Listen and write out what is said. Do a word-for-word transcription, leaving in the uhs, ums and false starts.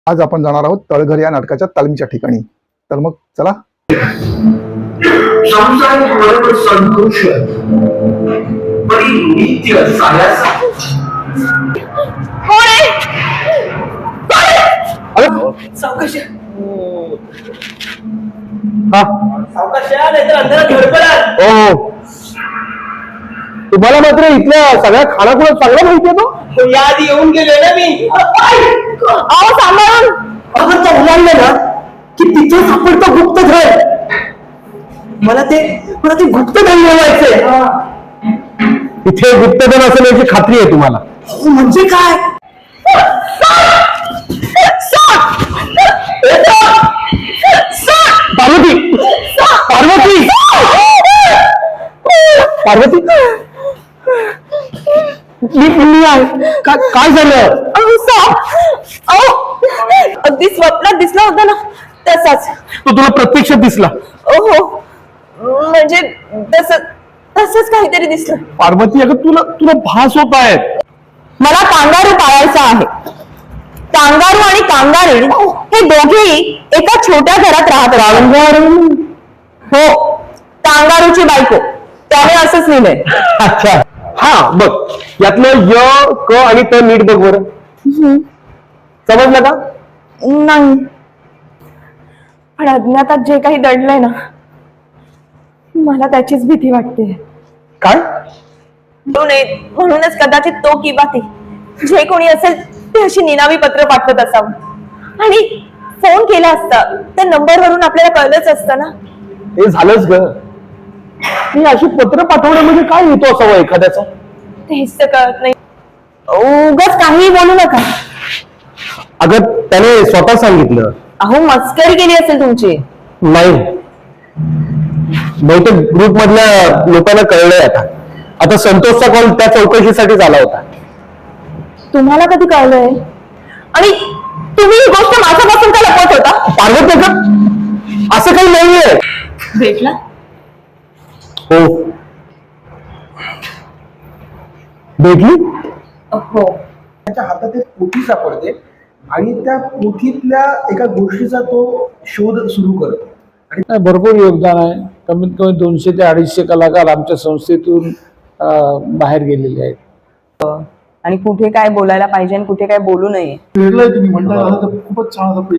आज आपण जाणार आहोत तळघर या नाटकाच्या तालमीच्या ठिकाणी. तर मग चला. संतोष नित्य सायाचा सावकाश सावकाश हो, तुम्हाला मात्र इथल्या सगळ्या खानाखुणा चांगला माहिती आहे तो. याआधी येऊन गेले ना मी. अहो सांभाळून अगं तो उलाढलं ना की तिथे सापडतो गुप्तधन. मला ते मला ते गुप्तधन मिळवायचंय. इथे गुप्तधन असेल याची खात्री आहे तुम्हाला. म्हणजे काय? पार्वती पार्वती पार्वती मी मी आहे. काय झालं? अगदी स्वप्नात दिसला होता ना तसाच. तो तुला प्रत्यक्षात दिसला? हो, म्हणजे तस तसंच काहीतरी दिसलं. पार्वती अगं तुला तुला भास होत आहे. मला कांगारू पाळायचा आहे. कांगारू आणि कांगारीण हे दोघेही एका छोट्या घरात राहत राहत. हो, कांगारूची बायको. त्याने असंच लिहिलंय. अच्छा, हा बघ यातलं य क आणि त नीट बघ बरं. समजलं का? नाही, पण अज्ञातात जे काही दडलंय ना, मला त्याचीच भीती वाटते. काय? म्हणूनच कदाचित तो किंवा ती जे कोणी असेल ते अशी निनावी पत्र पाठवत असावं. आणि फोन केला असता त्या नंबरवरून आपल्याला कळलंच असतं ना. हे झालंच ग. मी अशी पत्र पाठवण्यामध्ये काय येतो असावं एखाद्याचा? तेच तर कळत नाही. उगाच काही बोलू नका. अगं त्याने स्वतः सांगितलं. अहो, मस्करी केली असेल तुमची. नाही, बहुतेक ग्रुप मधल्या लोकांना कळलंय आता. आता संतोषचा कॉल त्या चौकशीसाठी झाला होता. तुम्हाला कधी कळलंय? आणि तुम्ही ही गोष्ट माझ्यापासून का लपवत होता? पार्वती का असं काही नाहीये. भेटला? हो, भेटली. हो. त्याच्या हातात एक पोथी सापडते आणि त्या पोथीतल्या एका गोष्टीचा तो शोध सुरू करतो. नाही, भरपूर योगदान आहे. कमीत कमी दोनशे ते अडीचशे कलाकार आमच्या संस्थेतून अं, बाहेर गेलेले आहेत. आणि कुठे काय बोलायला पाहिजे आणि कुठे काय बोलू नये. वेगळं तुम्ही म्हणता आलं तर खूपच छान असं